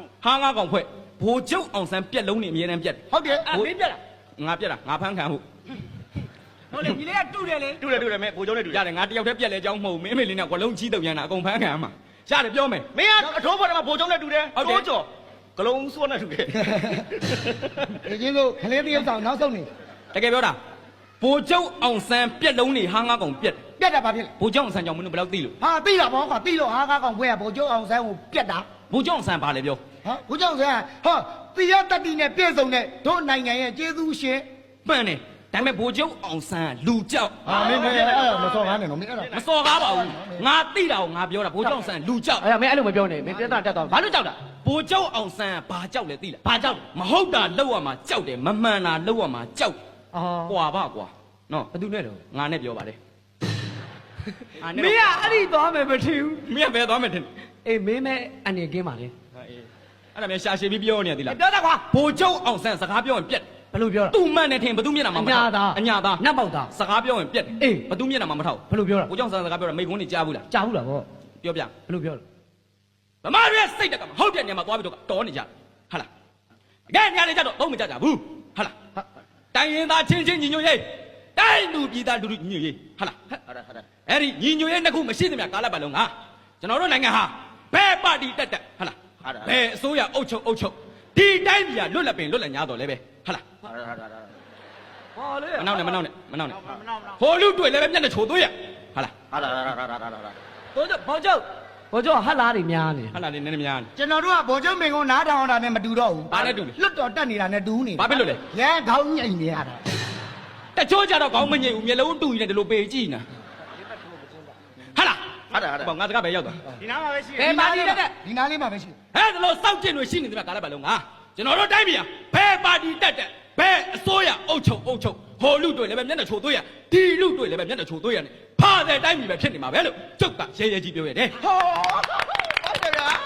ဟာငါကောင်ဖွဲ့ဘိုလ်ချုပ်အောင်ဆန်းပြက်လုံးနေအမြဲတမ်းပြက်ဟုတ်တယ်မင်းပြက်လားငါပြက်တာငါဖမ်းခံဟုတ်ဟုတ်လေညီလေးကတူတယ်လေတူတယ်မဲဘိုးကျောင်းနဲ့တူတယ်ရတယ်ငါတယောက်တည်းပြက်လဲကြောင်းမဟုတ်မင်းမေလေးနဲ့ကွလုံးကြီးတုံရမ်းတာအကုန်ဖမ်းခံမှာရတယ်ပြောမယ်မင်းကအထိုးပေါ်တယ်မှာဘိုးကျောင်းနဲ့တူတယ်တိုးကြော်ကလုံးစွန်းနဲ့တူတယ်ဒီချင်းတို့ခလေးတယောက်ဆောင်နောက်ဆုံးနေတကယ်ပြောတာဘိုလ်ချုပ်အောင်ဆန်းပြက်လုံးနေဟာငါကောင်ပြက်ပြက်တာဘာဖြစ်လဲဘိုလ်ချုပ်အောင်ဆန်းကြောင့်မင်းတို့ဘယ်လောက်သိလို့ဟာသိတာဘောကွာသိလို့ဟာကားကောင်ဖွဲရဗိုလ်ချုပ်အောင်ဆန်းကိုပြက်တာဘိုလ်ချုပ်အောင်ဆန်းဘာလဲပြောဟာဗိုလ်ချုပ်အောင်ဆန်းဟောတိရတတိနဲ့ပြည့်စုံတဲ့တို့နိုင်ငံရဲ့ကျေးဇူးရှင်မှန်တယ်ဒါပေမဲ့ဘိုလ်ချုပ်အောင်ဆန်းလူကြောက်ဟာမင်းမစော်ကားနဲ့နော်မင်းအဲ့ဒါမစော်ကားပါဘူးငါသိတာကိုငါပြောတာဘိုလ်ချုပ်အောင်ဆန်းလူကြောက်အဲ့ဒါမင်းအဲ့လိုမပြောနဲ့မင်းပြဿနာတက်သွားဘာလို့ကြောက်တာဘိုလ်ချုပ်အောင်ဆန်းဘာကြောက်လဲသိလားဘာကြောက်မဟုတ်တာလောက်ရမှာကြောက်တယ်မမှန်တာလောက်ရမှာကြောက်အော်ကွာပါကွာနော်ဘသူနဲ့တော့ငါနဲ့ပြောပါလေမင်းကအဲ့ဒီသွားမယ်မထင်ဘူးမင်းကဘယ်သွားမယ်ထင်အေးမင်းမဲ့အနေကင်းပါလေအဲ့ဒါမျိုးရှာရှည်ပြီးပြောနေရသေးလားပြောတာကွာဘိုလ်ချုပ်အောင်ဆန်းစကားပြောရင်ပြက်ဘယ်လိုပြောတာသူ့မှန်တယ်ထင်ဘသူမျက်နှာမှာမထောက်အညာသားနတ်ပေါက်သားစကားပြောရင်ပြက်အေးဘသူမျက်နှာမှာမထောက်ဘယ်လိုပြောတာဘိုလ်ချုပ်အောင်ဆန်းစကားပြောတာမိကုန်းနေကြားဘူးလားကြားဘူးလားဗောပြောပြဘယ်လိုပြောလဲဗမာတွေစိတ်တက်ကမဟုတ်တဲ့နေရာမှာသွားပြီးတော့တော်နေကြဟာလားတကယ်နေရာတွေကြတော့သုံးမကြကြဘူးဟာလားတိုင်းရင်သားချင်းချင်းညီညွတ်ရေးတိုင်းလူပြည်သားလူလူညီညွတ်ရေးဟာလားဟုတ်တယ်အဲ့ဒီညီညွတ်ရေးနှစ်ခုမရှိသမျှကာလပတ်လုံးကကျွန်တော်တို့နိုင်ငံဟာဘယ်ပါတီတက်ဟာလားဘယ်အစိုးရအုပ်ချုပ်ဒီတိုင်းပြည်ကလွတ်လပ်ပင်လွတ်လပ်ညာတော့လဲပဲဟာလားဟောလေမနောက်နဲ့ဟိုလူတွေ့လည်းပဲမျက်နှာချိုသွေးရဟာလားဘောကျော်ဘောကျော်ဟတ်လားတွေများနေဟာလားလေးနည်းနည်းများနေကျွန်တော်တို့ကဗိုလ်ချုပ်မင်းကုန်းနားထောင်တာနဲ့မတူတော့ဘူးဘာနဲ့တူလဲလွတ်တော်တက်နေတာနဲ့တူနေဘာဖြစ်လို့လဲရဲခေါင်းညိတ်နေရတာတချို့ကြတော့ခေါင်းမငိမ့်ဘူးမျက်လုံးတူနေတယ်လို့ပေကြည့်နေဟာလားဘောငါတကားပဲရောက်သွားဒီနားမှာပဲရှိဘယ်ပါတီတက်ဒီနားလေးမှာပဲရှိဟဲ့ဒါလို့စောက်ကျင်တွေရှိနေတယ်ကာလပတ်လုံးကကျွန်တော်တို့တိုင်းပြည်ဘယ်ပါတီတက်ဘယ်အစိုးရအုပ်ချုပ်ဟိုလူတွေ့လည်းပဲမျက်နှာချိုသွေးရဒီလူတွေ့လည်းပဲမျက်နှာချိုသွေးရနဲ့ဖားတဲ့တိုင်းပြည်ပဲဖြစ်နေမှာပဲလို့ကျုပ်ကရဲကြီးပြောရတယ်ဟောဟုတ်တယ်ဗျာ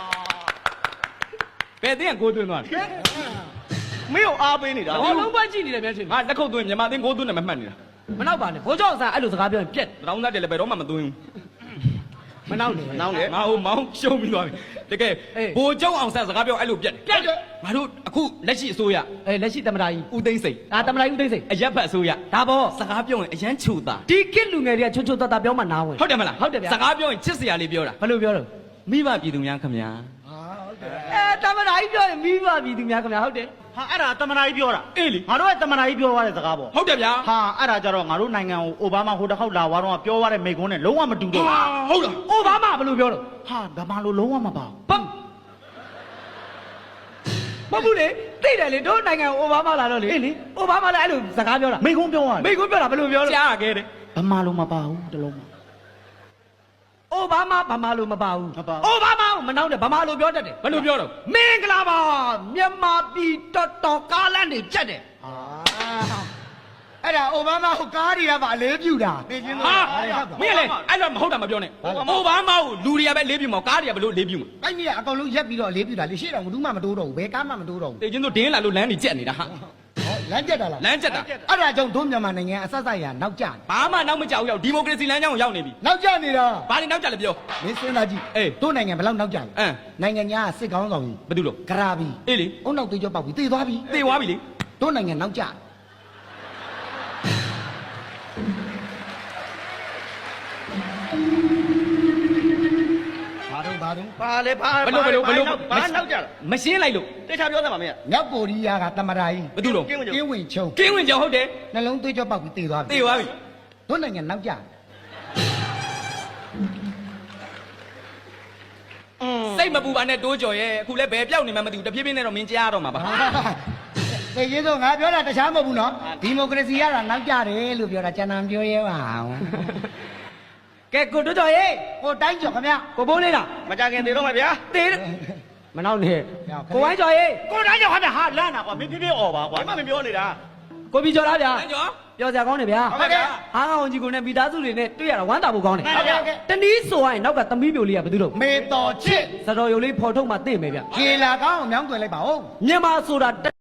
ဘယ်တင်းကကိုသွင်းသွားလဲမင်းကိုအားပေးနေတာဘောလုံးပွဲကြည့်နေတယ်များထင်ငါလက်ခုပ်သွင်းမြန်မာတင်းကိုသွင်းတယ်မမှတ်နေတာမနောက်ပါနဲ့ဘောကျော်ဆန်အဲ့လိုစကားပြောရင်ပြက်တောင်းသားတယ်လည်းဘယ်တော့မှမသွင်းဘူးမနောက်နဲ့နောင်လေငါဟိုမောင်းရှုံးပြီးသွားပြီတကယ်ဘိုလ်ချုပ်အောင်ဆန်းစကားပြောအဲ့လိုပြက်တယ်ငါတို့အခုလက်ရှိအစိုးရအေးလက်ရှိတမတာကြီးဦးသိန်းစိန်ဒါတမတာကြီးဦးသိန်းစိန်အရက်ဖက်အစိုးရဒါဘောစကားပြောရင်အရန်ချူတာဒီကစ်လူငယ်တွေကချွတ်ချွတ်တတ်ပြောမှနားဝင်ဟုတ်တယ်မလားဟုတ်တယ်ဗျာစကားပြောရင်ချစ်စရာလေးပြောတာဘယ်လိုပြောတော့မိဘပြည်သူများခင်ဗျာတမတာကြီးပြောရင်မိဘပြည်သူများခင်ဗျာဟုတ်တယ်ဟာအဲ့ဒါတမနာကြီးပြောတာအေးလေငါတို့ကတမနာကြီးပြောသွားတဲ့စကားပေါ့ဟုတ်တယ်ဗျာဟာအဲ့ဒါကြတော့ငါတို့နိုင်ငံကိုအိုဘားမားဟိုတစ်ခေါက်လာသွားတော့ပြောသွားတဲ့မိကုန်းနဲ့လုံးဝမတူတော့ဟုတ်လားအိုဘားမားဘယ်လိုပြောတော့ဟာဗမာလိုလုံးဝမပါဘူးဘမ်မဟုတ်ဘူးလေသိတယ်လေတို့နိုင်ငံအိုဘားမားလာတော့လေအေးလေအိုဘားမားလည်းအဲ့လိုစကားပြောတာမိကုန်းပြောသွားမိကွန်းပြောတာဘယ်လိုပြောလဲကြားခဲ့တယ်ဗမာလိုမပါဘူးတလုံးမအိုဘားမားဗမာလိုမပါဘူးမပါဘူးအိုဘားမားကိုမနှောင်းနဲ့ဗမာလိုပြောတတ်တယ်ဘယ်လိုပြောတော့မင်္ဂလာပါမြန်မာပြည်တော်ကားလန့်နေချက်တယ်ဟာအဲ့ဒါအိုဘားမားကိုကားတွေကပါအလေးပြူတာသိချင်းလို့ဟာမင်းလေအဲ့လိုမဟုတ်တာမပြောနဲ့အိုဘားမားကိုလူတွေကပဲလေးပြမှာကားတွေကဘယ်လိုလေးပြမှာအဲ့ဒီကအကောင်လုံးရက်ပြီးတော့အလေးပြူတာလေရှေ့တော့ဘူးမှမတိုးတော့ဘူးဘယ်ကားမှမတိုးတော့ဘူးတေချင်းတို့ဒင်းလာလို့လမ်းနေကြက်နေတာဟာဟောလမ်းကျက်တာလားလမ်းကြက်တာအဲ့ဒါကြောင့်တို့မြန်မာနိုင်ငံအဆက်ဆက်ရနောက်ကျနေဘာမှနောက်မကြောက်ရောက်ဒီမိုကရေစီလမ်းကြောင်းကိုရောက်နေပြီနောက်ကျနေတာဘာလို့နောက်ကြလဲပြောမင်းစဉ်းစားကြည့်အေးတို့နိုင်ငံဘယ်လောက်နောက်ကျလဲအင်းနိုင်ငံညာစစ်ကောင်းဆောင်ကြီးဘာတူလို့ဂရာဘီအေးလေအုံနောက်သေးကြောပေါက်ပြီးတေသွားပြီသေသွားပြီလေတို့နိုင်ငံနောက်ကျဘာတော့ပါလေပါဘယ်လိုဘာနောက်ကြလားမရှင်းလိုက်လို့တေချာပြောသမှာမင်းမြောက်ကိုရီးယားကတမရာကြီးဘာတူလို့ကင်းဝင်ကင်းဝင်ချုံကင်းဝင်ကြောင်ဟုတ်တယ်နှလုံးသွေးကြောပေါက်ပြီးတေသွားပြီသေသွားပြီတို့နိုင်ငံနောက်ကျစိတ်မပူပါနဲ့တိုးကြော်ရဲ့အခုလည်းဘယ်ပြောက်နေမှမသိဘူးတဖြည်းဖြည်းနဲ့တော့မင်းကြားရတော့မှာပါတေရေးဆိုငါပြောတာတခြားမဟုတ်ဘူးနော်ဒီမိုကရေစီရတာနောက်ကျတယ်လို့ပြောတာကျန်တာပြောရဲပါအောင်ကဲကိုတို့တော်ရေးကိုတိုင်းကျော်ခင်ဗျကိုဘိုးလေးလားမကြခင်သေးတော့မှာဗျာသေးတယ်မနှောင်းနဲ့ကိုဝိုင်းကျော်ရေးကိုတိုင်းကြောင့်ဟာဗျာဟာလန့်တာကွာမင်းပြပြអော်ပါကွာမင်းပြောနေတာကိုပြီးကျော်လားဗျာလမ်းကြော်ပြောစရာကောင်းတယ်ဗျာဟုတ်ကဲ့ဟာကောင်ကြီးကိုနဲ့မိသားစုတွေနဲ့တွေ့ရတာဝမ်းသာဖို့ကောင်းတယ်ဟုတ်ကဲ့ဟုတ်ကဲ့တနည်းဆိုရင်နောက်ကသမီးပြိုလေးကဘယ်သူတော့မေတော်ချစ်စတော်ရုံလေးဖော်ထုတ်မှသိမယ်ဗျခြေလာကောင်းအောင်မြောင်းတွင်လိုက်ပါဦးမြန်မာဆိုတာ